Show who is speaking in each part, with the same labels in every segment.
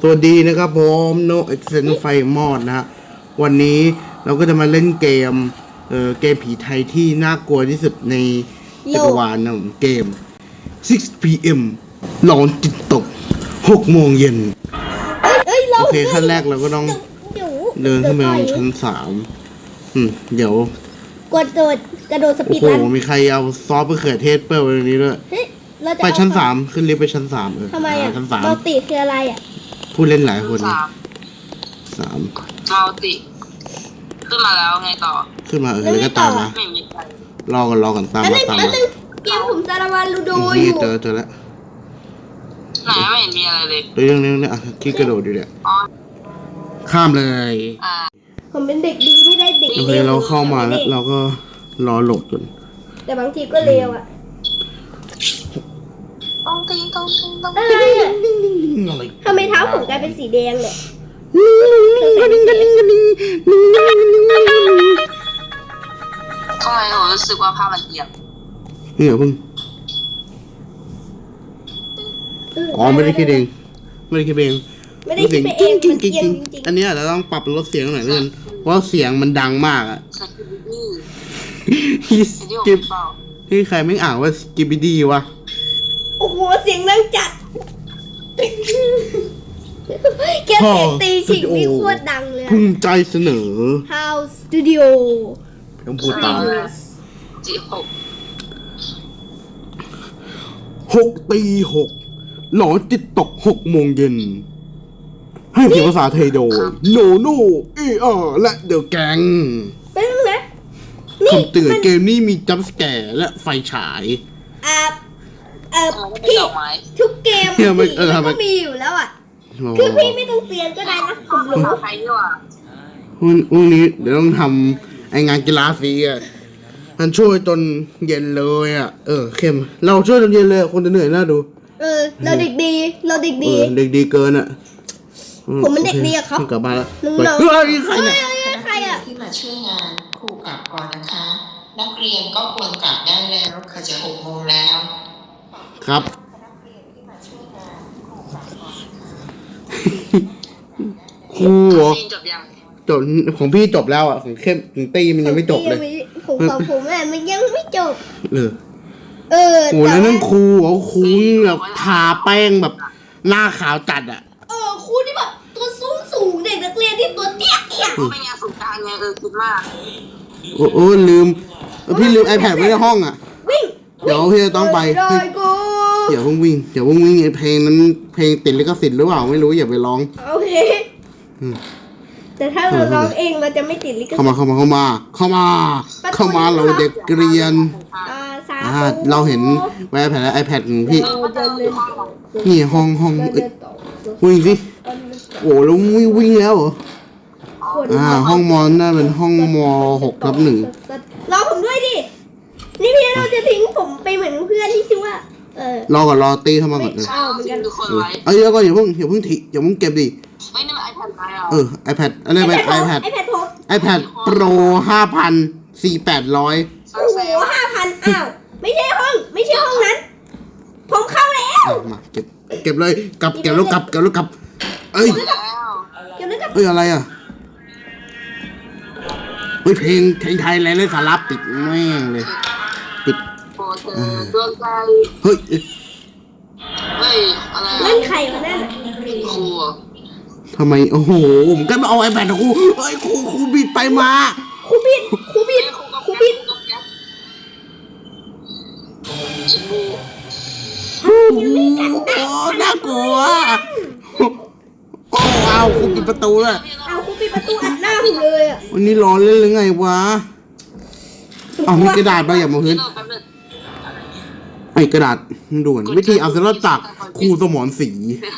Speaker 1: วัสดีนะครับผมโนเอ็กเซนไฟมอดนะฮะวันนี้เราก็จะมาเล่นเกมเกมผีไทยที่น่ากลัวที่สุดในจักรวาลนะผมเกม 6 p.m. หลอนจิตตก6 โมงเย็นโอเคขั้นแรกเราก็ต้องเดินขึ้นไปบนชั้น3เดี๋ยว
Speaker 2: กระโดดสปีดรัน
Speaker 1: โอ้โหมีใครเอาซอสมะเขือเทศเปิ้ลไว้ตรงนี้ด้วยไปชั้น3ขึ้นลิฟต์ไปชั้น3
Speaker 2: ทำไมอ่ะ
Speaker 1: ชั้น
Speaker 2: มัลติคืออะไรอ่ะ
Speaker 1: ผู้เล่นหลายคน3
Speaker 3: มัลติขึ้นมาแล้วไงต่อ
Speaker 1: ขึ้นมาแล้วก็ตามมา
Speaker 3: ไม่มีใคร
Speaker 1: รอกันตามมา
Speaker 2: เกมผมจารวันลูโด
Speaker 1: อยู่เจอแล้ว
Speaker 3: ไหนไม่เห็นมีอะไรเลย
Speaker 1: เรื่องนี้อ่ะที่กระโดดอยู่เนี่ยข้ามเลย
Speaker 2: ผมเป็นเด็กดีไม่ได้เด็ก
Speaker 1: โอเคเราเข้ามาแล้วเราก็รอโหลดจน
Speaker 2: แต่บางทีก็เร็วอ่ะ
Speaker 3: ต้องติ้ง
Speaker 2: อะไรอ่ะทำไมเท้าผมกลายเป็นสีแดงเนี่ย
Speaker 3: ทำไมผมรู้สึกว่าภาพมันเอียง
Speaker 1: นี่เหรอเพิ่งไม่ได้คิดเอง
Speaker 2: ไม่ได้คิดเองมันเอียงจริง
Speaker 1: อันนี้เราต้องปรับลดเสียงหน่อยเพื่อนเพราะเสียงมันดังมากอ่ะที่ใครไม่อ่านว่าสกิปปี้ดีวะ
Speaker 2: โอ้โหเสียงดังจัดแค่เสียงตีฉิงนี่โคตรดังเลย
Speaker 1: ภูมิใจเสนอ
Speaker 2: House Studio
Speaker 1: ต้องพูดตาม6 หลอนจิตตก6 โมงเย็นให้เสียงภาษาไทยโดยโนโน่และเดอะแก๊ง
Speaker 2: เป็นไง
Speaker 1: คำเตือนเกมนี้มีจัมป์สแกร์และไฟฉาย
Speaker 2: พี่ทุกเกมมันก็มีอยู่แล้วอ่ะคือพี่ไม่ต้องเตือนก็ได้นะผมรู้
Speaker 3: ใครด้วย
Speaker 1: วันนี้เดี๋ยวต้องทำไองานกีฬาสีอ่ะมันช่วยจนเย็นเลยอ่ะเข้มเราช่วยจนเย็นเลยคนจะเหนื่อยน่าดู
Speaker 2: เราเด็กดีเด็ก
Speaker 1: ดีเกินอ่ะ
Speaker 2: ผมมันเด็กดีอะครับ
Speaker 1: กลับมาแล้ว
Speaker 2: เฮ้
Speaker 1: ยใครเนี่ย
Speaker 2: ใครอ่ะ
Speaker 4: ที่มาช่วยงานครูกลับก่อนนะคะนักเรียนก็ควรกลับได้แล้วค่ะจะ6 โมงแล้ว
Speaker 1: ครับครูจบของพี่จบแล้วอ่ะของเข้มของตีมันยังไม่จบเลย
Speaker 2: ของผมมันยังไม่จบ
Speaker 1: โหแล้วนั่นครูครูแบบทาแป้งแบบหน้าขาวจัดอ่ะ
Speaker 2: ครูที่แบบตัวสูงเด็กนักเรียนที่ตัวเตี้ย
Speaker 3: ไม่งานสงการไงคิดมาก
Speaker 1: ลืมพี่ลืม iPad ไว้ในห้องอ่ะ
Speaker 2: วิ่ง
Speaker 1: เดี๋ยวพี่จะต้องไปเดี๋ยวเพิ่งวิ่งเพลงนั้นเพลงติดลิขสิทธิ์หรือเปล่าไม่รู้อย่าไปร้อง
Speaker 2: โอเคแต่ถ้าเราร้องเองเราจะไม่ติดลิขสิทธิ์
Speaker 1: เข้ามาเราเด็กเรียนเราเห็นไอแพดของพี่นี่ห้องวิ่งสิโอ้แล้ววิ่งแล้วเหรอห้องมอนน่าเป็นห้องม6/1
Speaker 2: รอผมด้วยดินี่พี่เราจะทิ้งผมไปเหมือนเพื่อนที่ชื่อว่าร
Speaker 1: อก่อนรอตีเข้ามาก่อนแล้วก็อย่าเพิ่งเก็บดิ
Speaker 3: ไม่นี่มัน iPad
Speaker 1: iPad อะไรไป iPad Pro 5,400-800
Speaker 2: โอ้โห 5,000ไม่ใช่ห้องนั้นผมเข้าแล้ว
Speaker 1: มาเก็บเลยเก็บแล้วกลับเอ้ยอะไรอ่ะเพลงไทยอะไรเลยสาระปิดแม่งเลยปิดเฮ้ย
Speaker 3: อะไร
Speaker 2: เล่นใครวะนั่น
Speaker 3: ครู
Speaker 1: ทำไมโอ้โหผมก็มาเอา iPad ของครูเฮ้ยครูบิดไปมา
Speaker 2: ครูบิด
Speaker 1: น่ากลัวเอาครูปิดประตูเลย
Speaker 2: ครูปิดประตูอัดหน้าผมเลยอ่ะ
Speaker 1: วันนี้ร้อนเล่นหรือไงวะมีกระดาษไปอย่ามาพื้นไอ้กระดาษด่วนวิธีเอาเซลล์จากครูสมรศรี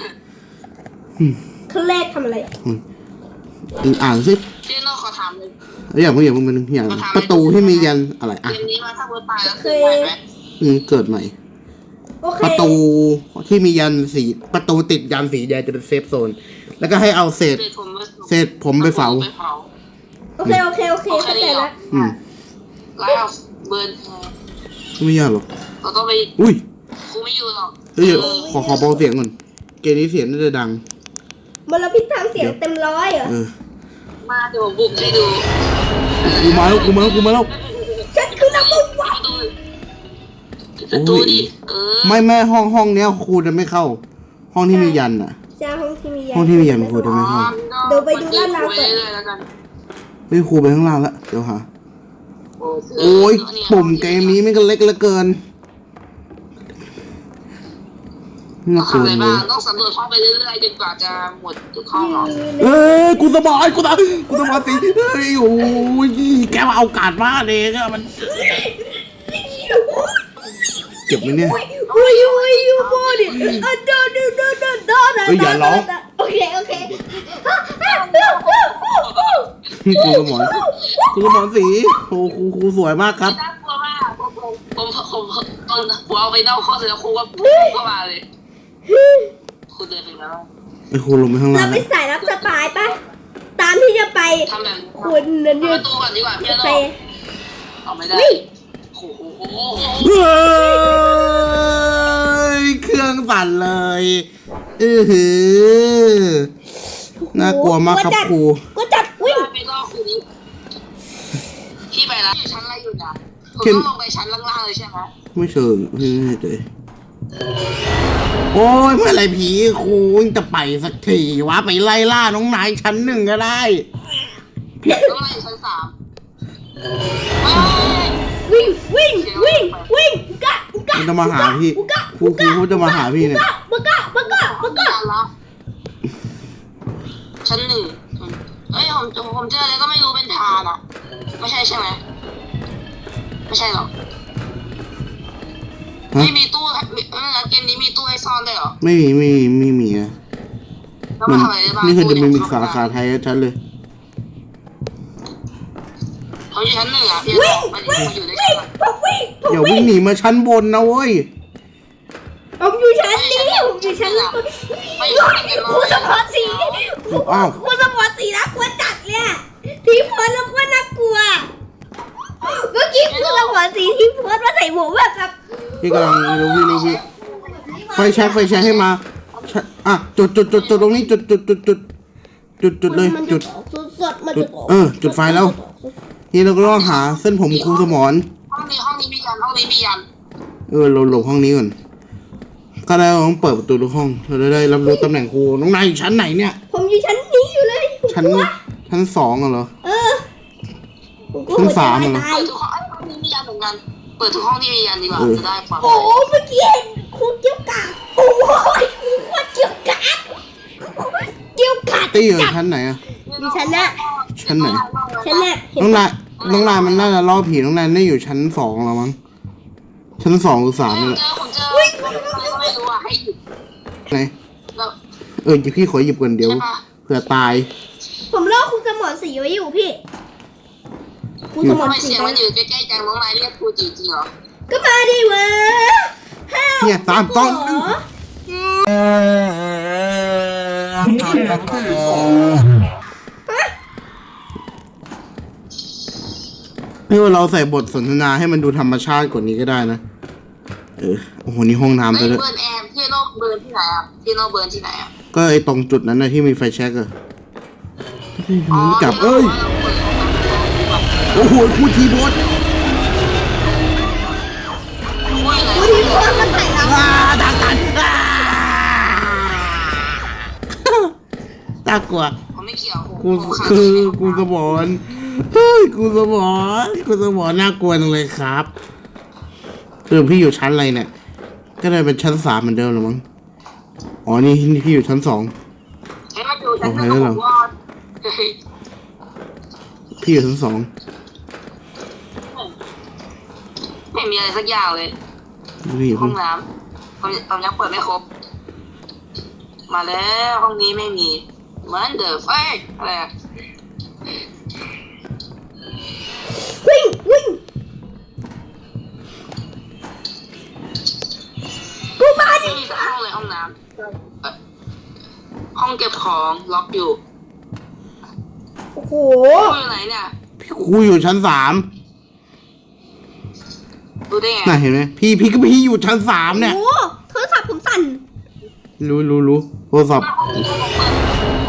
Speaker 2: ขั้นแรกทำอะไร
Speaker 1: อ่านสิ
Speaker 3: เจ๊นขอถามเลย
Speaker 1: อย่างมันอย่างประตูที่มียันอะไร
Speaker 3: อ่ะเกมนี้มาถ้าเปิดตายแล้ว
Speaker 1: เกิดใหม่ประตูที่มียันสีประตูติดยันสีแดงจะเป็นเซฟโซนแล้วก็ให้เอาเศษผมไปเผา
Speaker 2: โอเคเข้าใจแล้ว
Speaker 3: แล้วเบิร์น
Speaker 1: ไม่ยากหรอก
Speaker 3: เราต้องไป
Speaker 1: อุ้ย
Speaker 3: ครูไม่อยู่หรอก
Speaker 1: ขอเบาเสียงก่อนเกมนี้เสียงน่าจะดัง
Speaker 2: มลพิษทางเสียงเต็มร้อยเหรอ
Speaker 3: มาเดี๋ยวผมบุกให้ดู
Speaker 1: กูมาแล้ว
Speaker 2: ฉันคือนักบุญวะ
Speaker 3: ประตูดิ
Speaker 1: ไม่ห้องเนี้ยครูจะไม่เข้า ห้องที่มียันอ่ะ
Speaker 2: จ้าห้องที่มียัน
Speaker 1: ห้องที่มียันครูจะไม่เข้า
Speaker 2: เดี๋ยวไปดูด้านล่างก่อน
Speaker 3: เลยแล้วกัน
Speaker 1: เฮ้ยครูไปข้างล่างแล้วเดี๋ยวหาโอ้ยปุ่มเกมนี้ไม่ก็เล็กเหลือเกินน่ากลัว
Speaker 3: ทำอะไร
Speaker 1: เล
Speaker 3: บ้าย งต้องสำรวจห้องไปเรื่อยๆจนกว่าจะหมดทุกห้องหรอ
Speaker 1: เอ้ยกูสมองสิเฮ้ยโอ้ยแกมาเอากาดมาเลยก็มันเก็บไหมเนี่ย
Speaker 2: อุ้ยยูโมดิโดน
Speaker 1: อย่าร้อง
Speaker 2: โอเค
Speaker 1: กูสมองสีโอ้ครูสวยมากครับ
Speaker 3: น่ากลัวมากผมเอาไปนอกห้องเสร็จแล้วครูก็พุ่งเข้ามาเลยครูเดินไปแล้ว
Speaker 1: ไอ้ครูลงไปข้างล่า
Speaker 2: เรา
Speaker 1: ง
Speaker 2: ไปสายรับสปายปะตามที่จะไป
Speaker 3: ทำแบบ
Speaker 2: คุณนั่น
Speaker 3: ป
Speaker 2: ยื
Speaker 3: ระตูก่อนดีกว่าพี่
Speaker 2: โอ
Speaker 3: โล
Speaker 2: เค
Speaker 3: เอาไม่ได้โอ้โห
Speaker 1: เฮ้ยเครื่องสั่นเลยหือน่ากลัวมากครับครู
Speaker 2: ก็จัดวิ่ง
Speaker 3: ไปรอบคืนนี้พี่ไปแล้วอยู่ชั้นอะไรอยู่นะผมต้องลงไปชั้นล่างๆเลยใช่ไหม
Speaker 1: ไม่เชิงไม่เลยโอ้ยเมื่อไรผีครูจะไปสักทีวะไปไล่ล่าน้องนายชั้นหนึ่งก็ได้
Speaker 3: ต้องไล่ชั้น3
Speaker 2: วิ่งกะ
Speaker 1: มันจะมาหาพี่ครูเขาจะมาหาพี่เนี่ย
Speaker 2: บักะ
Speaker 3: ชั้น1เอ้ยผมเจออะไรก็ไม่รู้เป็นทานอะไม่ใช่ใช่ไหมไม่ใช่หรอกไม่มีตู้เกมนี้มีตู้ให้ซ่อนได้หรอ
Speaker 1: ไม่มีอะ
Speaker 3: แล้วมาทำอะไรได้บ้าง
Speaker 1: นี่คือจะมีสาขาไทยชัดเลย
Speaker 3: เขาอยู่ชั้น1อะพี่มันอยู่ได้ชั้น
Speaker 2: ผมวิ่ง
Speaker 1: อย่าวิ่งหนีมาชั้นบนนะเว้ย
Speaker 2: ผมอยู่ชั้นนี้ผมอยู่ชั้นครูสมอสี
Speaker 1: อ้าว
Speaker 2: ครูสมอสีน่ากลัวจัดเลยทีโพสแล้วก็น่ากลัวเมื่อกี้ครูสมอสีทีโพสมาใส่หมวกแบบ
Speaker 1: พี่กำลังรู้พี่ไฟแช็กให้มาอ่ะจุดตรงนี้จุดเลยจุด
Speaker 2: สดมันจะ
Speaker 1: จุดไฟแล้วนี่เราก็ต้องหาเส้นผมครูสมร
Speaker 3: ห้องนี้มียัน
Speaker 1: เราหลบห้องนี้ก่อนก็ได้เราต้องเปิดประตูทุกห้องเราได้รับรู้ตำแหน่งครูน้องนายอยู่ชั้นไหนเนี่ย
Speaker 2: ผมอยู่ชั้นนี้อยู่เลย
Speaker 1: ชั้น2เหรอ
Speaker 2: ชั้น
Speaker 1: 3 เหรอ
Speaker 3: เปิดทุกห้องนี้มียันเหมือนกันเปิดทุกห้องที่มียันดีกว่าจะได้ความ
Speaker 2: โอ้เมื่อกี้เห็นครูเกี่ยวกาดโอ้ยครูเกี่ยวกาด
Speaker 1: ตี้อยู่ชั้นไหนอะ
Speaker 2: อยู่ชั้นน่ะ
Speaker 1: ชั้นไหน
Speaker 2: ชั้นน่ะ
Speaker 1: น้องนายมันน่าจะล่อผีน้องนายได้อยู่ชั้น2แล้วมั้งชั้น2หรือ3นี่แหละ
Speaker 3: ผมเจอก็ไม่รู้อ่ะให้หยุด
Speaker 1: ไหน
Speaker 3: แล้ว
Speaker 1: พี่ขอหยิบก่อนเดี๋ยวเผื่อตาย
Speaker 2: ผมรอครูสมอสีไว้อยู่พี่ครูสมอ
Speaker 3: ทำไม
Speaker 2: สี
Speaker 3: เสียงมันอยู่ใกล้ๆจังน้องนายเรียกครูจริงๆเหรอ
Speaker 2: ก็มาดิเว้ย
Speaker 1: เนี่ย3 2 นี่ว่าเราใส่บทสนทนาให้มันดูธรรมชาติกว่านี้ก็ได้นะโอ้โหนี่ห้องน้ำ
Speaker 3: เฮ้ย
Speaker 1: เลย
Speaker 3: เบิร์นแอร์พี่โนเบิร์นที่ไหนอ่ะพี่โนเบิร์นที่ไหนอ่ะ
Speaker 1: ก็ไอตรงจุดนั้นนะที่มีไฟแช็กอะจับโอ้โหครูทีโบส
Speaker 2: ครูทีโพสมาถ่ายเรา
Speaker 1: ดังกันน่ากลัว
Speaker 3: ผมไม่เกี่ยว
Speaker 1: กูสมอนกูสมอนน่ากลัวจังเลยครับพี่อยู่ชั้นอะไรเนี่ยก็ได้เป็นชั้น3เหมือนเดิมหรือมั้งอ๋อนี่พี่อยู่ชั้น2
Speaker 3: ให้มาดูฉันจะบอกว่า
Speaker 1: พี่อยู่ชั้น2
Speaker 3: ไม่มีอะไรสักอย่างเลย
Speaker 1: พี่อยู่
Speaker 3: ห้องน้ำผมยังเปิดไม่ครบมาแล้วห้องนี้ไม่มีเหมือนเดิมอะไรอ่ะ
Speaker 2: วิ่ง กูมาดิ
Speaker 3: ไม่มีสักห้องเลยห้องน้ำห้องเก็บของล็อกอยู่
Speaker 2: โอ้โห
Speaker 3: อยู่ไหนเนี่ย
Speaker 1: ครูอยู่ชั้น3
Speaker 3: ดูได้ไง
Speaker 1: น่ะเห็นไหมพี่อยู่ชั้น3เนี่ย
Speaker 2: โอ้โหโทรศัพท์ผมสั่น
Speaker 1: รู้โทรศัพท์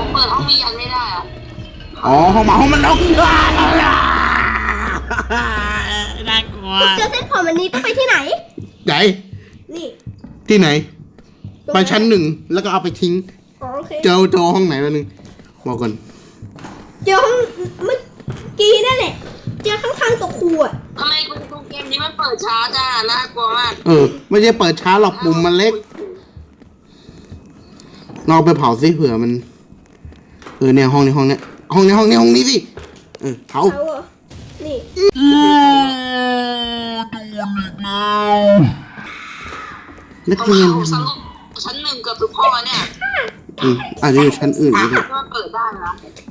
Speaker 3: นี้ยันไม่ได้อะ
Speaker 1: อ๋อห้องหมาห้องมันล็อกน่ากลัว
Speaker 2: คุณเจอเส้นผมอันนี้ต้องไปที่ไหน
Speaker 1: ไหน
Speaker 2: นี่
Speaker 1: ที่ไหน ไปชั้นหนึ่งแล้วก็เอาไปทิ้ง
Speaker 2: อ๋อโอเค
Speaker 1: เจอห้องไหนแล้วนึงบอกก่อน
Speaker 2: เจอห้องเมื่อกี้นั่นแหละเจอข้างๆตัวครูอ่ะ
Speaker 3: ทำไมเกมนี้มันเปิดช้าจ้าน่ากลัวมาก
Speaker 1: ไม่ใช่เปิดช้าหรอกปุ่มมันเล็กเราเอาไปเผาซิเผื่อมันเนี่ยห้องนี้ห้องนี้ห้องนี้ห้องนี้ห้องนี้สิเผา
Speaker 2: เอาเหรอนี่
Speaker 1: นัก
Speaker 3: ผม
Speaker 1: เรียน
Speaker 3: สรุปชั้นหนึ่งเกือบทุกข้อเนี่ย
Speaker 1: อาจจะอยู่ชั้นอื่นก็ได้
Speaker 3: มันเปิดได้นะ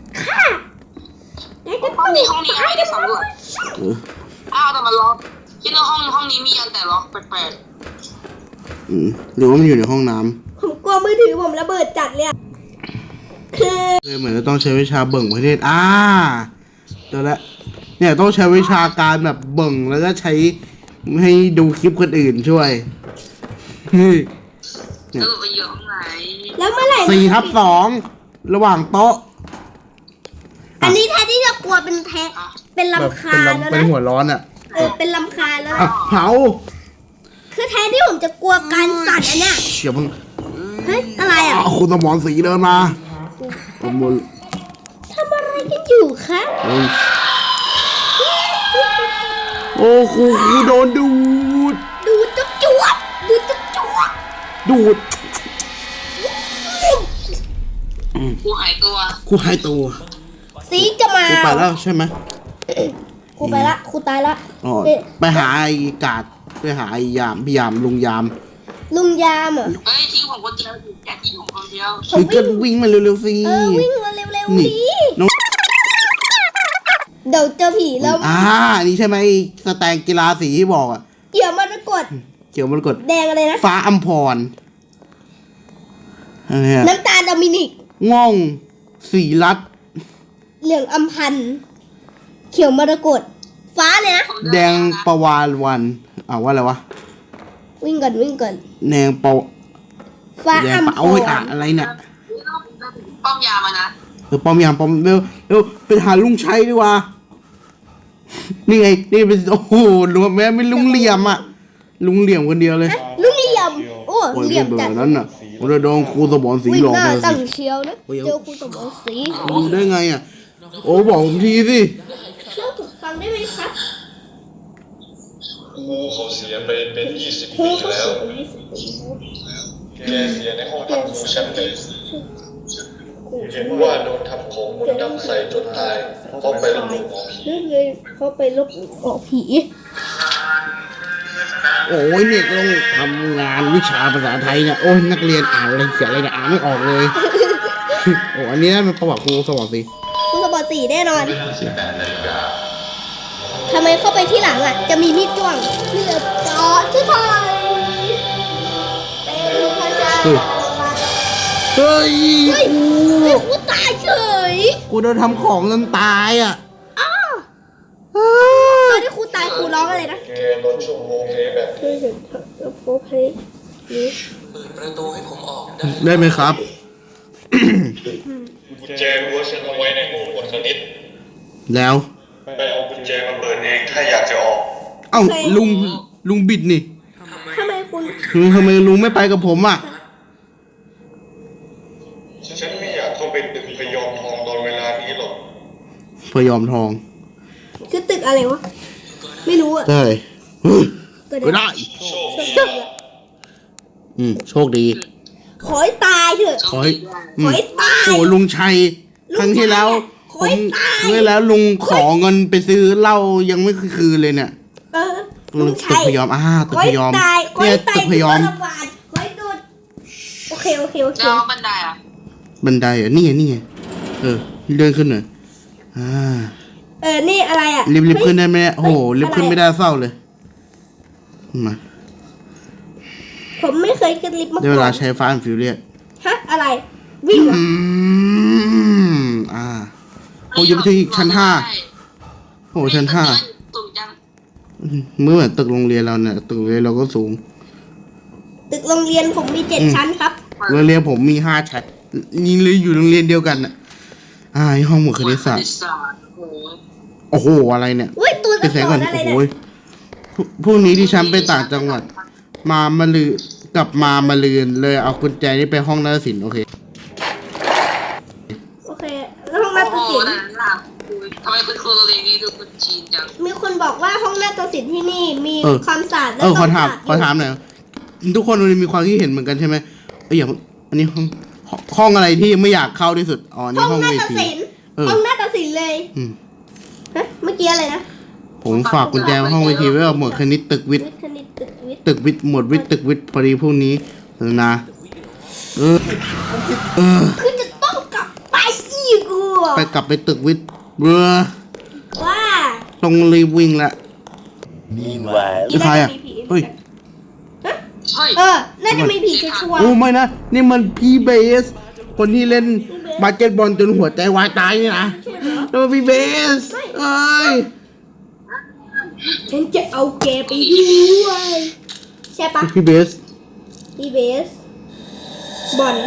Speaker 2: ได้ก็
Speaker 3: ห้องนี้ไม่ได้สำรวจ
Speaker 1: เออ
Speaker 3: อ้าวแต่มันล็อกคิดว่าห้องนี้มีอันแต่ล็อกแปลก
Speaker 1: หรือว่ามันอยู่ในห้องน้ำ
Speaker 2: ผมกลัวมือถือผมระเบิดจัดเลยอะคือ
Speaker 1: เหมือนจะต้องใช้วิชาเบิ่งประเทศเจอแล้วเนี่ยต้องใช้วิชาการแบบเบิ่งแล้วก็ใช้ให้ดูคลิปคนอื่นช่วยนี่
Speaker 3: ๆสรุปไปอยู่ห้องไหน
Speaker 2: แล้วเมื่อไหร่
Speaker 1: 4/2ระหว่างโต๊ะ
Speaker 2: อันนี้แทนที่จะกลัวเป็นเป็นลำคาญแล้ว
Speaker 1: เป็น
Speaker 2: นะ
Speaker 1: หัวร้อนอ่ะ
Speaker 2: เป็นลำคาญแล้ว
Speaker 1: อ่ะ
Speaker 2: นะ
Speaker 1: เผา
Speaker 2: คือแทนที่ผมจะกลัวการสั่นอันเนี้ย
Speaker 1: เฉียบมึง
Speaker 2: เฮ้ยอะไรอ่ะ
Speaker 1: คุณสมรสีเดินมาขโมย
Speaker 2: ทำอะไรกันอยู่คะ
Speaker 1: โอ้ครูโดนดูด
Speaker 2: ดูจุ๊บจวบดูจุ๊บจวบ
Speaker 1: ดูด
Speaker 3: กูหายตัว
Speaker 1: ครูหายตัว
Speaker 2: สีจะมา
Speaker 1: ครูไปแล้วใช่ไหม
Speaker 2: ครูไปละครูตายละ
Speaker 1: อ๋อ
Speaker 2: เอ๊ะ
Speaker 1: ไปหาไอ้กาดไปหาไอ้ยามพี่ยามลุงยาม
Speaker 2: ลุงยามเหรอ
Speaker 3: เฮ้ยทิ้งผมคนเดียวอย่าทิ้งผมคนเดียว
Speaker 2: ผม
Speaker 1: หรือก็วิ่งมาเร็วๆสิ
Speaker 2: วิ่งมาเร็วๆ
Speaker 1: นี่
Speaker 2: ดิ
Speaker 1: น้อง
Speaker 2: เดี๋ยวเจอผีแล้ว
Speaker 1: นี่ใช่ไหมไอ้สแตนกีฬาสีที่บอกอ่ะ
Speaker 2: เกี่ยวมรกต
Speaker 1: เขียวมันกด
Speaker 2: แดงอะไรนะ
Speaker 1: ฟ้าอัมพรอะไรอะ
Speaker 2: น้ำตาลโดมินิก
Speaker 1: ง่องสีรัด
Speaker 2: เหลืองอัมพันธ์เขียวมรกตฟ้าเนี่ยนะ
Speaker 1: แดงประวานวันว่าอะไรวะ
Speaker 2: วิ่งก่อนวิ่งก่อน
Speaker 1: แดงประ
Speaker 2: ฟ้า
Speaker 1: แด
Speaker 2: อั
Speaker 1: ง
Speaker 2: ม
Speaker 1: ประ
Speaker 2: พ
Speaker 1: เอาไว้
Speaker 2: ร
Speaker 1: อะไรเนี่ย
Speaker 3: ป้อมยามานะ
Speaker 1: ปอมยามปอมเร็วไปหาลุงชัยดีกว่า นี่ไง นี่เป็นโอ้โหลุงแม่ไม่ลุงเหลี่ยมอ่ะ ลุงเหลี่ยมคนเดียวเลย
Speaker 2: ลุงเหลี่ยมโอ้
Speaker 1: โอ้ย
Speaker 2: เหลี่ยม
Speaker 1: เบื่
Speaker 2: จั
Speaker 1: อ
Speaker 2: ด
Speaker 1: นั้นน่ะผมจะโดนครูสมรสี
Speaker 2: วิ่ง
Speaker 1: หลอก
Speaker 2: หน้า
Speaker 1: เลย
Speaker 2: ตั้ง
Speaker 1: สิ
Speaker 2: เชียวนะเจอครูสมรศรี
Speaker 1: ดูได้ไงอ่ะ โอ้บอกผมทีสิ
Speaker 2: เล่าถูกฟังได้ไหมครับ
Speaker 5: ครูเขาเสียไปเป็น20
Speaker 2: ครู
Speaker 5: ปี
Speaker 2: เขา
Speaker 5: แล้ว
Speaker 2: เสียไป20 ปีแล้ว
Speaker 5: แกเสียในห้องพักครูชั้นหนึ่งเห็นว่าโดนทำของมนต์ดำใส่จนตายเพราะไปลบหลู่หมอผี
Speaker 2: นั่นเลยเขาไปลบหลู่หมอผี
Speaker 1: โอ้ยเนี่ยต้องทำงานวิชาภาษาไทยเนี่ย โอ้ยนักเรียนอ่านอะไรเขียนอะไรเนี่ยอ่านไม่ออกเลย โอ้อันนี้น่าเป็นประวัติครูสมรสี
Speaker 2: ครูสมรศรีแน่นอน
Speaker 5: เวลา18 นาฬิกา
Speaker 2: ทำไมเข้าไปที่หลังอ่ะ จะมีมีดจ้วงเพื่อเจาะที่ไทยเป็นพระเจ้า
Speaker 1: เฮ้ย
Speaker 2: เฮ้ยครูตายเฉย
Speaker 1: กูโดนทำของจนตายอ่ะ
Speaker 2: ตอนที่ครูตายครูร้องอะไรนะ
Speaker 5: แกลดชั่วโมงนี้แบบ
Speaker 2: ช่วยเห็นเถอะแล้วโพเพนี่
Speaker 6: เปิดประตูให้ผมออกได้
Speaker 1: ได้ไหมครับ
Speaker 5: กุญแจรั้วฉันเอาไว้ในห้องบทคณิต
Speaker 1: แล้ว
Speaker 5: ไปเอากุญแจมาเปิดเองถ้าอยากจะออก
Speaker 1: เอ้าลุงบิดนี่
Speaker 2: ทำไมคุณ
Speaker 1: ทำไมลุงไม่ไปกับผมอ่ะ
Speaker 5: ฉันไม่อยากเข้าไปตึกพยอมทองตอนเวลานี้หรอก
Speaker 1: พยอมทอง
Speaker 2: คือตึกอะไรวะ ไม่รู้อ่ะ
Speaker 1: ได้
Speaker 2: เกิด
Speaker 1: ก็
Speaker 2: อะไร
Speaker 1: ได้
Speaker 5: โชค
Speaker 2: ตึ
Speaker 5: ดี
Speaker 2: กอะ
Speaker 1: โชคดี
Speaker 2: ขอให้ตายเถอะ
Speaker 1: ขอให้
Speaker 2: ขอให้ตาย
Speaker 1: โอ้ลุงชัย ครั้งที่แล้ว
Speaker 2: ขอให้ตาย
Speaker 1: เมื่อแล้วลุงขอเงินไปซื้อเหล้ายังไม่คืนเลยเนี่ย
Speaker 2: เออ
Speaker 1: ลุงตึกพยอมตึกพยอม
Speaker 2: ขอให้ตายขอ
Speaker 1: เนี่ย
Speaker 2: ให้ตาย
Speaker 1: ตึกพยอม
Speaker 2: ขอให้โดนโอเคโอเคโอเค
Speaker 3: แล้วบันไดอ่ะ
Speaker 1: บันไดเหรอ่ะนี่ไงเลื่อนขึ้นหน่อย
Speaker 2: นี่อะไรอ่ะ
Speaker 1: รีบขึ้นได้ไหมเนี่ยโอ้โหรีบขึ้นไม่ได้เศร้าเลยมา
Speaker 2: ผมไม่เคยขึ้นลิฟต์มา
Speaker 1: ได้
Speaker 2: ก่
Speaker 1: เว
Speaker 2: อ
Speaker 1: ลาน ใช้ฟ้าฟิวเรียส
Speaker 2: ฮะอะไร วิ่งเหรอ
Speaker 1: โอ้ยังไปถึงอีกชั้น 5โอ้ชั้น
Speaker 3: สูงจัง
Speaker 1: 5เมื่อเหมือนตึกโรงเรียนเราเนี่ยตึกโรงเรียนเราก็สูง
Speaker 2: ตึกโรงเรียนผมมี7 ชั้นครับ
Speaker 1: โรงเรียนผมมี5 ชั้นนี่เลยอยู่โรงเรียนเดียวกันน่ะห้องหมวดคณิตศาสตร์
Speaker 3: โอ้โห
Speaker 1: โอ้โหอะไรเนี่ย
Speaker 2: อุ้ยตัว
Speaker 1: ปิด
Speaker 2: สะ
Speaker 1: แสง
Speaker 2: ก
Speaker 1: ก่อ
Speaker 2: ด
Speaker 1: น
Speaker 2: อะไร
Speaker 1: โอ้
Speaker 2: เนี่ย
Speaker 1: โหพรุ่งนี้ที่ฉันไปต่างจังหวัด มาลือกลับมาลืนเลยเอากุญแจนี่ไปห้องนาฏศิลป์โอเค
Speaker 2: โอเคแล้วห้องนาฏ
Speaker 3: โอ้โห
Speaker 2: ศิลป์
Speaker 3: นั่นน่ะทำไมคุณครูโรงเรียนนี้ดูคนจีนจัง
Speaker 2: มีคนบอกว่าห้องนาฏศิลป์ที่นี่มี
Speaker 1: เออ
Speaker 2: ความสะอาดและ
Speaker 1: ขอถาม
Speaker 2: ต้องสะอาด
Speaker 1: หน่อยทุกคนมีความคิดเห็นเหมือนกันใช่ไหมอย่างอันนี้ห้องอะไรที่ไม่อยากเข้าที่สุดอ๋อนี่
Speaker 2: ห้อง
Speaker 1: ห้อง
Speaker 2: นา
Speaker 1: เว
Speaker 2: ฏ
Speaker 1: ที
Speaker 2: ศิลป์
Speaker 1: เออ
Speaker 2: ห้องนาฏศิลป์เลย
Speaker 1: อืม
Speaker 2: ฮะเมื่อกี้อะไรนะ
Speaker 1: ผมฝากกุญแจไว้ห้องเวทีไว้กับหมวดคณิตตึกวิทย์
Speaker 2: วิทย์คณิตตึกวิทย์
Speaker 1: ตึกวิทย์หมวดวิทย์ตึกวิทย์พอดีพรุ่งนี้นะเออ
Speaker 2: คือจะต้องกลับไปอีกอ่ะ
Speaker 1: กลับไปตึกวิทย์เบื่อ
Speaker 2: ว่า
Speaker 1: ต้องรีบวิ่งละ
Speaker 7: Meanwhile,
Speaker 1: นี่ใครอ่ะเฮ้ย
Speaker 3: เฮ้ย
Speaker 2: น่าจะมีผีชัวร์
Speaker 1: โอ้ไม่นะ นี่มันพี่เบส คนที่เล่นบาสเกตบอลจนหัวใจวายตายนี่นะแล้วมันพี่เบสเอ้ย
Speaker 2: ๆฉันจะเอาแกไปด้วยใช่ปะ
Speaker 1: พี่เบส
Speaker 2: พี่เบสบอล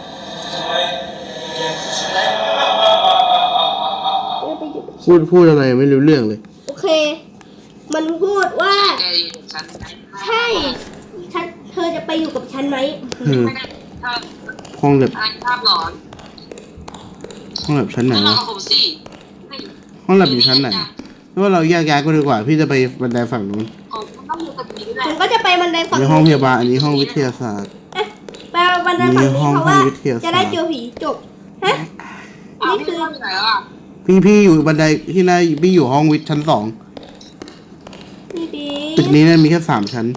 Speaker 2: ไปอยู่กับฉัน
Speaker 1: พูดอะไรไม่รู้เรื่องเลย
Speaker 2: โอเค มันพูดว่า
Speaker 3: แกอยู่กับฉัน
Speaker 2: ใช่เธอจะไปอยู่กับฉันไหม
Speaker 3: ไม่ได้ถ้า
Speaker 1: ห้องแบบ
Speaker 3: อะไรภาพหลอน
Speaker 1: ห้องแบบชั้นไหน
Speaker 3: ก็นอน
Speaker 1: วะ
Speaker 3: กับผมสิ
Speaker 1: ห้องแบบอยู่ชั้นไหนไม่ว่าเราแยกย้ายก็ดีกว่า พี่จะไปบันไดฝั่งนู้น
Speaker 3: ผมต้องอยู่กับผีด้วย
Speaker 2: ผมก็จะไปบันไดฝั่
Speaker 1: อั
Speaker 2: ง
Speaker 1: นนี้ห้องพยาบาลอันนี้ห้องวิทยาศาสตร์
Speaker 2: ไปบันไดฝั่ง
Speaker 1: มี
Speaker 2: นี้
Speaker 1: ห้อง
Speaker 2: เพราะว่า
Speaker 1: วิทยาศาสตร์
Speaker 2: จะได้เจอผีจบฮะ
Speaker 3: อ้าว
Speaker 2: นี่
Speaker 3: พี่
Speaker 2: คือ
Speaker 3: ว่าอยู่ไหนแล้วอ่ะ
Speaker 1: พี่อยู่บันไดที่ไหนพี่อยู่ห้องวิทย์ชั้น 2
Speaker 2: พี่บี
Speaker 1: ตึกนี้เนี่ยมีแค่3 ชั้น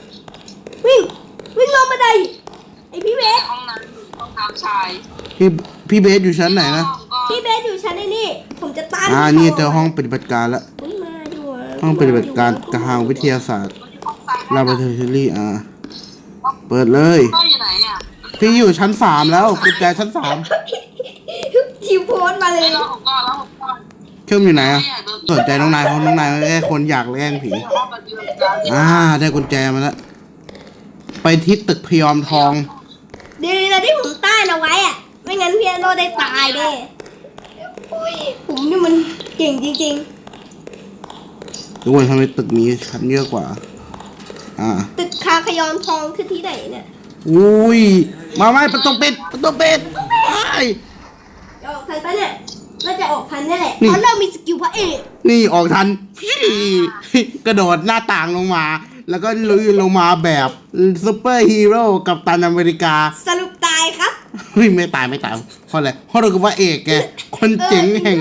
Speaker 2: วิ่งลงบันไดไอพี่เบส
Speaker 3: ห้องนั้นห้องน้ำชาย
Speaker 1: พี่เบสอยู่ชั้นไหนนะ
Speaker 2: พี่เบสอยู่ชั้นไอ้นี่ผมจะต้าน
Speaker 1: นี่เจอห้องปฏิบัติการแล้ว
Speaker 2: อุ๊ยมาดูะ
Speaker 1: ห้องปฏิบัติการทางวิทยาศาสตร์ลาบอราทอรี่เปิดเลย
Speaker 3: ก็อยู่ไหนอ่ะ
Speaker 1: พี่อยู่ชั้น 3 แล้วกุญแจชั้น
Speaker 2: ทิวโพสต์มาเล
Speaker 3: ไอ้
Speaker 2: ย
Speaker 3: เราผมก็แล้วผมก็
Speaker 1: 3เข้มอยู่ไหนอ่ะสนใจน้องนายเพราะน้องนายแค่คนอยากแกล้งผี
Speaker 3: ห้องปฏิบัติการ
Speaker 1: ได้กุญแจมาแล้ว ไปที่ตึกพยอมทอง
Speaker 2: ดีนะที่ผมต้านเอาไว้อะไม่งั้นพี่โนได้ตายแน่อุ๊ยผมนี่มันเก่งจริง
Speaker 1: ทุกคนทำไมตึกนี้ชั้นเยอะกว่า
Speaker 2: ๆ ตึกคาขยอนทองคือที่ไหนเนี่ย
Speaker 1: อุ้ย มาไม่ประตูปิดประตูปิดไอ้
Speaker 2: จะออกทันปะเนี่ยน่าจะออกทันนี่แหละ
Speaker 1: นี่
Speaker 2: เพราะเรามีสกิลพระเอก
Speaker 1: นี่ออกทันพี่กระโดดหน้าต่างลงมา แล้วก็ลุยลงมาแบบซูเปอร์ฮีโร่กับตันอเมริกา
Speaker 2: สรุปตายครับ
Speaker 1: เฮ้ยไม่ตายเพราะอะไรเพราะเราคือพระเอกแกคนเจ๋งแห่ง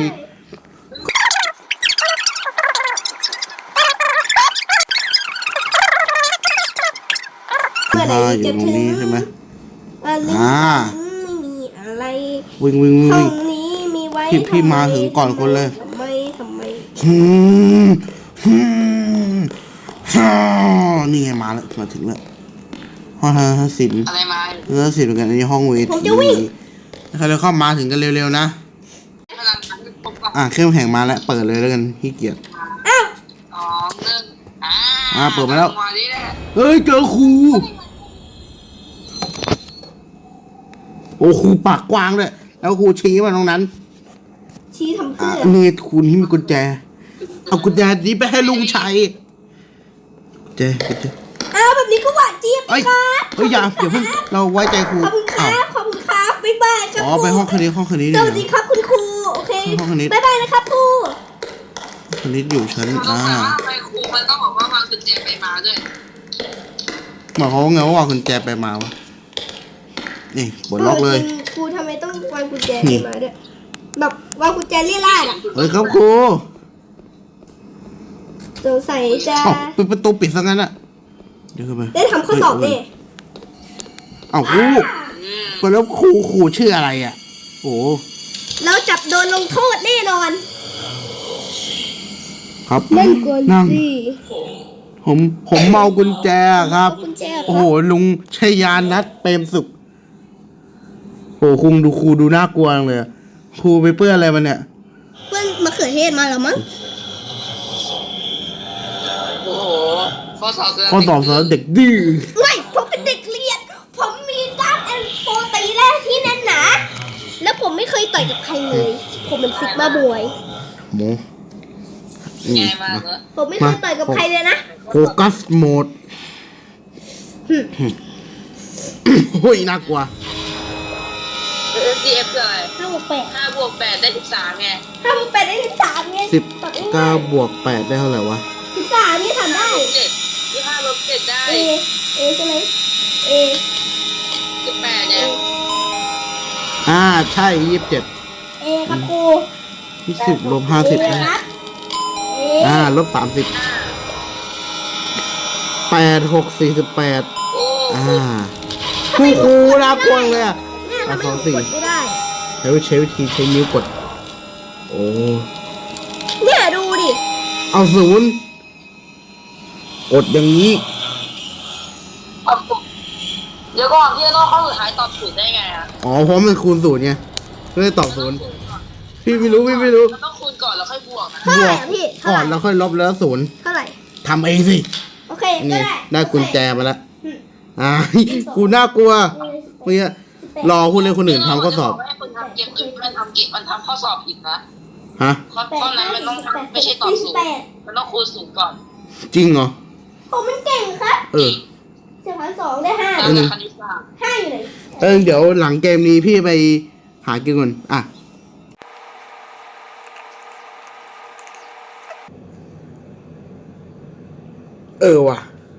Speaker 2: เมื่อไหร่
Speaker 1: อยู่
Speaker 2: จะ
Speaker 1: ตรง
Speaker 2: ถึง
Speaker 1: นี้ใช่ไหม
Speaker 2: อะไร
Speaker 1: อ่า
Speaker 2: ไม่มีอะไร
Speaker 1: วิ่ง
Speaker 2: ห้องนี้มีไว้
Speaker 1: พี่มาถึงก่อนคนเลย
Speaker 2: ทำไม
Speaker 1: ฮึมฮึมฮ่านี่ไงมาแล้วมาถึงแล้วห้องทัศศิลป์
Speaker 3: อะไรมา
Speaker 1: ทัศศิลป์เหมือนกันอันนี้ห้องเวทีใครเลยเข้ามาถึงกันเร็วๆนะ
Speaker 3: พลังงานที่พบกับ
Speaker 1: เครื่องแข่งมาแล้วเปิดเลยแล้วกันขี้เกียจ
Speaker 2: อ้าว
Speaker 3: 2 1
Speaker 1: เปิดมาแล้ว
Speaker 3: มาดิแหละ
Speaker 1: เฮ้ยเจอครูโอ้ครูปากกว้างเลยแล้วครูชี้มาตรงนั้น
Speaker 2: ชี้ทำเพื่อ
Speaker 1: นี่ครูนี่มีกุญแจเอากุญแจนี้ไปให้ลุงชัยกุญแจ
Speaker 2: อ้าวแบบนี้ก็หวานเจี๊ยบ
Speaker 1: เอ้ย
Speaker 2: ครับ
Speaker 1: อย่าเพิ่งเราไว้ใจครู
Speaker 2: ขอบคุณค
Speaker 1: อ้า
Speaker 2: รั
Speaker 1: ว
Speaker 2: บขอบคุณครับบ๊ายบายครับ
Speaker 1: ไปห้องคณิต
Speaker 2: ส
Speaker 1: ดี
Speaker 2: วัสดีครับคุณครูโอเค
Speaker 1: ห้องคณิต
Speaker 2: บ๊ายบายนะครับครู
Speaker 1: คณิตอยู่ชั้น
Speaker 3: เราต้องถามว่าทำไมครูมันต้องบอกว่าวางกุญแจไปมาด้วย
Speaker 1: หมายความว่าไงว่าวางกุญแจไปมาวะนี่ปลดล็อกเลย
Speaker 2: จริงครูทำไมต้องวางกุญแจ
Speaker 1: นี่
Speaker 2: มาด้วยแบบวางกุญแจเลี่ยราดอ่ะ
Speaker 1: เฮ้ยครับครู
Speaker 2: สงสัยจะ
Speaker 1: ปิดประตูปิดซะงั้นอะเดี๋ยวเข้าไป
Speaker 2: ได้ทำข้อสอบเนี่ย
Speaker 1: ครูแล้วครูชื่ออะไรอ่ะโอ้
Speaker 2: เราจับโดนลงโทษแน่นอน
Speaker 1: ครับ
Speaker 2: นั่งก่อน
Speaker 1: นั่ง
Speaker 2: สิ
Speaker 1: ผมเมากุญแจครับ
Speaker 2: กุญแจค
Speaker 1: โอ้
Speaker 2: รั
Speaker 1: โห
Speaker 2: บ
Speaker 1: ลุงชัยยานัทเปรมสุขโอ้ครูดูน่ากลัวจังเลยอะครูไปเปื้อนอะไรมาเนี่ย
Speaker 2: เพื่อนมะเขือเทศมาแล้วมั้ง
Speaker 3: โอ้โหข้อสอบ
Speaker 1: ข้อสอบสำหรับเด็กดื้อ
Speaker 2: ไม่ผมเป็นเด็กเรียน ผมมีกล้ามแอนโฟตีแรกที่แน่นหนา แล้วผมไม่เคยยต่อยกับใครเลย ผมเป็นซิกมาบวย
Speaker 1: หมูนี่
Speaker 3: ง่ายมากเลย
Speaker 2: ผมไม่เคยต่อยกับใครเลยนะ
Speaker 1: โฟกัสโหมดโอ้ยน่ากลัว
Speaker 3: FDF คืออะไร
Speaker 2: 5
Speaker 3: 5 บวก 8 ได้ 13ไง
Speaker 2: 8ได้13ไง
Speaker 1: 19+8ได้เท่าไหร่วะ
Speaker 2: 13นี่ทำได้
Speaker 3: 7ที่5ลบ7ได้
Speaker 2: A ใช่ไหม A
Speaker 3: 18เนี่ย
Speaker 1: ใช่27
Speaker 2: A ครับครู
Speaker 1: 20ลบ
Speaker 2: A
Speaker 1: 50
Speaker 2: ค
Speaker 1: นะ
Speaker 2: รับ A
Speaker 1: ลบ30 8 6 48
Speaker 3: โอ้
Speaker 1: ผู้ครูน่ากลัวเลยอ่ะ
Speaker 2: เนี่ยทำไม
Speaker 1: สอง
Speaker 2: ก
Speaker 1: สี่
Speaker 2: ดไม่ได้
Speaker 1: ใช้วิธีใช้นิ้วกด โอ้
Speaker 2: เนี่ยดูดิ
Speaker 1: เอาศูนย์กดอย่างนี้
Speaker 3: เดี๋ยวก่อนพี่โน่เข้าสุดท้ายตอบถูกได้ไงอ่ะ
Speaker 1: อ๋อเพราะมันคูณศูนย์ไงก็เลยตอบศูนย์พี่ไม่รู้
Speaker 3: มันต้องคูณก่อนแล้วค่อยบวกนะ
Speaker 2: เท่าไหร่อะพี่ เท่า
Speaker 1: ก่
Speaker 2: ไห
Speaker 1: อ
Speaker 2: ร่
Speaker 1: นแล้วค่อยลบแล้วศูนย์
Speaker 2: เท่าไหร่
Speaker 1: ทำเองสิ
Speaker 2: โอเค
Speaker 1: นี่
Speaker 2: ก็ได้
Speaker 1: ได้กุญแจมาแล้ว
Speaker 2: อืม
Speaker 1: กูน่ากลัวเมื่อกี้รอคุณเลยคนอื่นทำข้อสอบ
Speaker 3: ให้คุณทำเกมอื่นมันทำข้อสอบผิดนะ
Speaker 1: ฮะ
Speaker 3: ข้อนั้นมันต้องไม่ใช่ตอบศูนย์มันต้องคูณศูนย์ก่อน
Speaker 1: จริงเหรอ
Speaker 2: ผมมันเก่งครับ
Speaker 1: เออ
Speaker 2: 7,200ได้5
Speaker 3: แล้วแต่คณิตศาสตร์
Speaker 2: 5อยู่ไหน
Speaker 1: เดี๋ยวหลังเกมนี้พี่ไปหากินก่อนว่ะ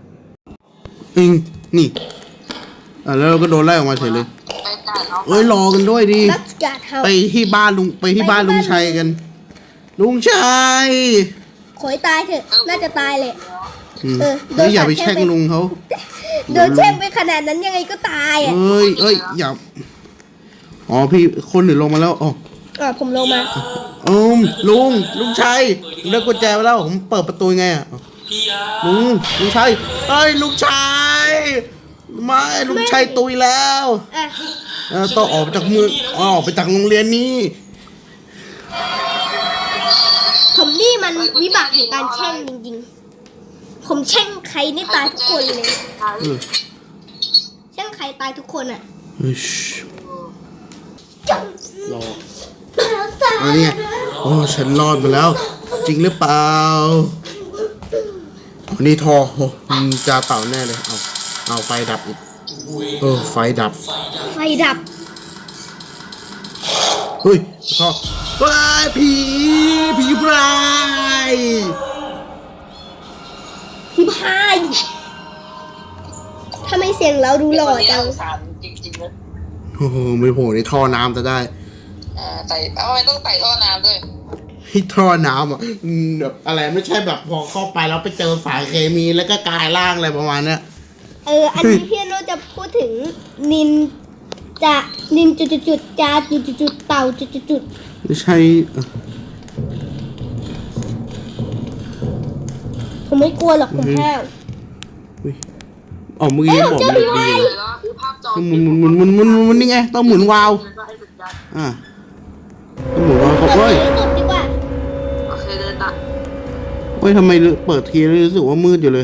Speaker 1: นี่แล้วเราก็โดนไล่ออกมาเฉยเลย
Speaker 3: ไปจ่ายเขา
Speaker 1: เอ้ยรอกันด้วยดิ
Speaker 2: รักการเฮา
Speaker 1: ไปที่บ้านลุงชัยกัน ลุงชัย
Speaker 2: ขอยตายเถอะ น่าจะตายเลย โดน
Speaker 1: เฮ้ยอย่าไป
Speaker 2: สาดแช่
Speaker 1: แช่
Speaker 2: ง
Speaker 1: งลุงเขา
Speaker 2: โดนแช่งไปขนาดนั้นยังไงก็ตายอ่ะ
Speaker 1: เอ้ยอย่าอ๋อพี่คนอื่นลงมาแล้วอ๋อ
Speaker 2: ผมลงมา
Speaker 1: ลุงชัยได้กุญแจมาแล้วผมเปิดประตูไงอ่ะ
Speaker 6: พี่ยา
Speaker 1: ลุงชัยลุงชัยไม่ลุงชัยตุยแล้ว
Speaker 2: อ่ะ
Speaker 1: ต้องออกจากเมืองออกไปจากโรงเรียนนี้
Speaker 2: ผมนี่มันวิบากแห่งการแช่งจริงๆ ผมแช่งใครนี่ตายทุกคนเลย แช่งใครตายทุกคนอ่ะ จัง
Speaker 1: รอ
Speaker 2: แล้วตาย
Speaker 1: อันนี้ฉันรอดมาแล้ว จริงหรือเปล่าอันนี้ทอจะเต่าแน่เลยเอาไฟดับอีกไฟดับ
Speaker 2: ไฟดับ
Speaker 1: เฮ้ยทอผีพราย
Speaker 2: พี่พายทำไมเสียงเราดูหล่อจัง
Speaker 3: สารจริงๆนะ
Speaker 1: โอ้โหไม่โผล่ในท่อน้ำจะได้
Speaker 3: ไต่ทำไมต้องไต่ท่อน้ำด้วย
Speaker 1: ที่ท่อน้ำแบบอะไรไม่ใช่แบบพอเข้าไปแล้วไปเจอสายเคมีแล้วก็กลายร่างอะไรประมาณเนี้ย
Speaker 2: อันนี้พี่โนจะพูดถึงนินจุดจาจุดเต่าจุด
Speaker 1: ไม่ใช่
Speaker 2: ผมไม่กลัวหรอกผมห้าว
Speaker 1: อ๋อเมื่อกี้บอก
Speaker 2: เจอ
Speaker 1: ไม่
Speaker 2: ผี
Speaker 1: ดี
Speaker 2: พาย
Speaker 3: คือภาพจอ
Speaker 1: หมุนนี่ไงต้องหมุนวาล์วต้องหมุนวาล์ว
Speaker 2: ต
Speaker 1: เฮ้ย
Speaker 2: บดีกว่า
Speaker 3: โอเคเดินตัด
Speaker 1: เฮ้ยทำไมเปิดทีแล้วรู้สึกว่ามืดอยู่เลย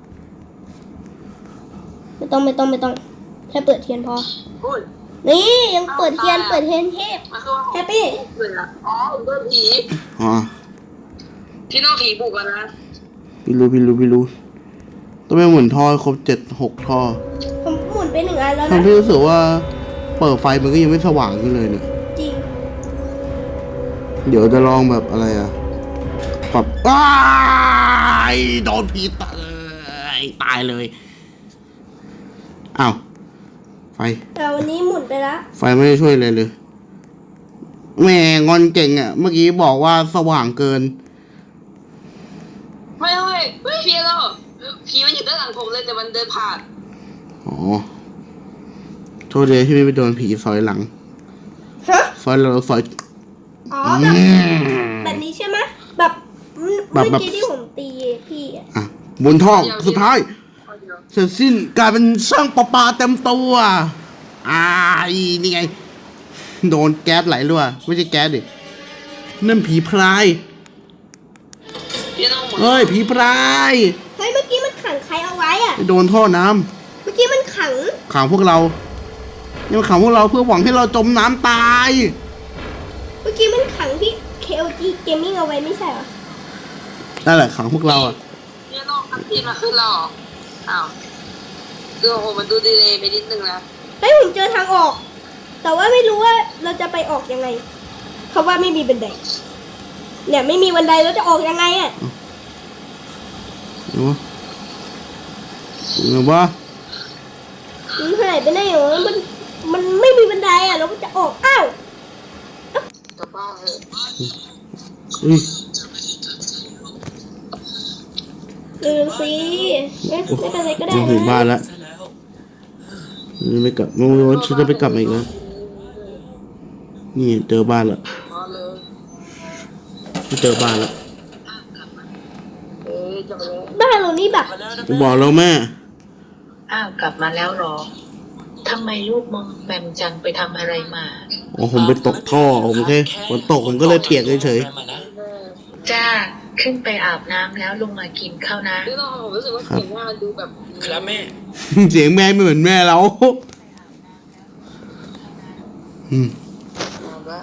Speaker 2: ไม่ต้องแค่เปิดเทียนพอ
Speaker 3: อุ้ย
Speaker 2: นี่ยังเปิดเทียนเทพ
Speaker 3: มันคือว่า
Speaker 2: แฮปปี้
Speaker 3: เลยละผมโดนผี
Speaker 1: อ๋อ
Speaker 3: พี่น้องผีบุกกันนะ
Speaker 1: พี่รู้ต้องไปหมุนท่อครบ6 ท่อ
Speaker 2: ผมหมุนไป1 อันแล้วนะ
Speaker 1: ทำให้รู้สึกว่าเปิดไฟมันก็ยังไม่สว่างขึ้นเลยเนี่ย
Speaker 2: จริง
Speaker 1: เดี๋ยวจะลองแบบอะไรปรับโดนผีตายเลยอ้าวไฟ
Speaker 2: แต่วันนี้หมุนไปแล้ว
Speaker 1: ไฟไม่ได้ช่วยเลยแหม่งอนเก่งเมื่อกี้บอกว่าสว่างเกิน
Speaker 3: ไม่พี่เราผีมันอยู่ด้านหลังผมเลยแต่มันเดินผ่าน
Speaker 1: อ๋อโทษเลยที่ไม่ไปโดนผีซอยหลัง
Speaker 2: ฮะ
Speaker 1: ซอย
Speaker 2: อ๋อ
Speaker 1: อืม
Speaker 2: แบบนี้ใช่ไหมแบบเมื่อกี้ที่ผมตีพี่อะ
Speaker 1: บนท่อสุดท้ายเสร็จสิ้นกลายเป็นช่างประปาเต็มตัวนี่ไง โดนแก๊สไหลรั่วไม่ใช่แก๊สดินั่นผีพราย
Speaker 3: พี่น้องหมด
Speaker 1: เฮ้ยผีพราย
Speaker 2: เฮ้ยเมื่อกี้มันขังใครเอาไว้อะ
Speaker 1: โดนท่อน้
Speaker 2: เมื่อกี้มันขัง
Speaker 1: ำขังพวกเรานี่มันขังพวกเราเพื่อหวังให้เราจมน้ำตาย
Speaker 2: เมื่อกี้มันขังที่ KOG Gaming เอาไว้ไม่ใช่เหรอ
Speaker 1: นั่นแหละขังพวกเราอ่ะ
Speaker 3: เนี่ยโลกทั้งทีมาขึ้นแล้วเหรออ้าวคือโอ้โหมันดูดีเลยไปนิดนึงนะ
Speaker 2: เฮ้ยผมเจอทางออก แต่ว่าไม่รู้ว่าเราจะไปออกยังไงเพราะว่าไม่มีบันไดเนี่ยไม่มีบันไดเราจะออกยังไงอ่ะ
Speaker 1: เห็นปะ
Speaker 2: มันหายไปไหนเหรอมันไม่มีบันไดอ่ะเราก็จะออกอ้าว
Speaker 3: กลับบ้านเถอะ
Speaker 1: อุ้ย
Speaker 2: สิไม่เป็นไรก็ได้
Speaker 1: มาถึงบ้านแล้ว
Speaker 6: ซะแล้ว
Speaker 1: ไม่กลับไม่รู้ว่าฉันจะไปกลับมาอีกแล้วนี่เจอบ้านแล้ว
Speaker 3: นอนเลย
Speaker 1: เจอบ้านแล้ว
Speaker 3: จะไปเลย
Speaker 2: บ้านเรานี่แบบ
Speaker 6: มาแล้วนะ
Speaker 1: ผมบอกแล้วแม่
Speaker 4: อ้าวกลับมาแล้วเหรอทำไมลูกมองแมมจังไปทำอะไรมา
Speaker 1: อ๋อผมไปตกท่อผมแค่ฝนตกผมก็เลยเปียกเฉย
Speaker 6: มานะ
Speaker 4: จ้าขึ้นไปอาบน้ำแล้วลงมากินข้าวนะ
Speaker 3: คือเราผมรู้สึกว่าเสียงว่ามันดูแบบ
Speaker 6: ครับแม่
Speaker 1: ๆ เสียงแม่ไม่เหมือนแม่เราอืม
Speaker 3: ว่า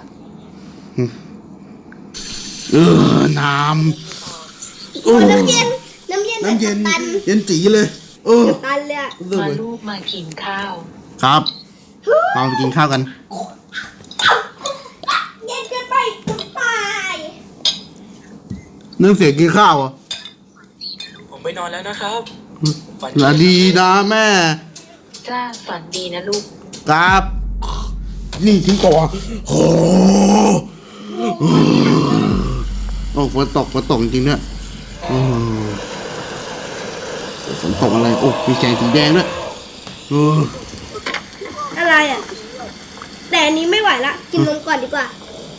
Speaker 1: น้ำ
Speaker 2: โอ้น้ำเย็น
Speaker 1: น้ำเย็น
Speaker 2: ตัน
Speaker 1: เย็นจีเลย
Speaker 2: ตันเลยอะ
Speaker 4: มาลูกมากินข้าว
Speaker 1: ครับเราไปกินข้าวกัน
Speaker 2: เย็นเกินไปตาย
Speaker 1: เนื่องเสียงกินข้าวอ่ะ
Speaker 6: ผมไปนอนแล้วนะครับฝัน
Speaker 1: สวัสดีนะแม่
Speaker 4: จ้าฝันดีนะลูก
Speaker 1: ครับ นี่ทิ้งก่อนโอ้โอ้ฝนตกจริงด้วยโอ้ฝนตกอะไรโอ้มีแสงสีแดงด้วยโอ้
Speaker 2: อะไรอ่ะ แต่อันนี้ไม่ไหวละกินนมก่อนดีกว่า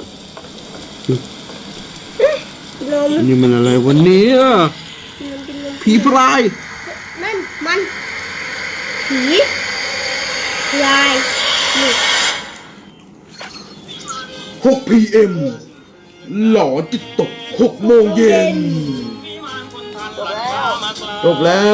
Speaker 2: กินนม
Speaker 1: นี่มันอะไรวันนี้อะ
Speaker 2: กินนม
Speaker 1: ผีพราย
Speaker 2: นั่นมันผีลายนี่
Speaker 1: 6 PM หลอจิตตก6 โมงเย็นจบแล้ว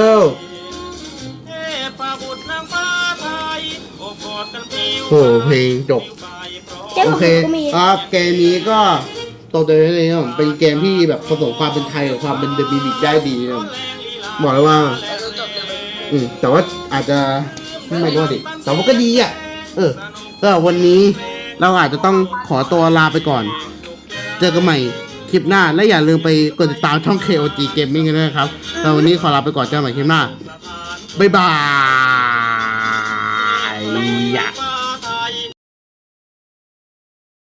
Speaker 1: โหเพลงจบ
Speaker 2: เจ้า
Speaker 1: โอ
Speaker 2: ของ
Speaker 1: เค
Speaker 2: ก็มี
Speaker 1: ครับเกมนี้ก็ตัวเดียวเลยครับเป็นเกมที่แบบผสมความเป็นไทยกับความเป็นเดอะบิบิกได้ดีนะครับบอกเลยว่า
Speaker 3: เราจบเลย
Speaker 1: แต่ว่าอาจจะไม่รู้ดิแต่ว่าก็ดีอ่ะก็วันนี้เราอาจจะต้องขอตัวลาไปก่อน เจอกันใหม่คลิปหน้าและอย่าลืมไปกดติดตามช่อง KOG Gaming กันด้วยนะครับแต่วันนี้ขอลาไปก่อนเจอกันใหม่คลิปหน้าบ๊ายบาย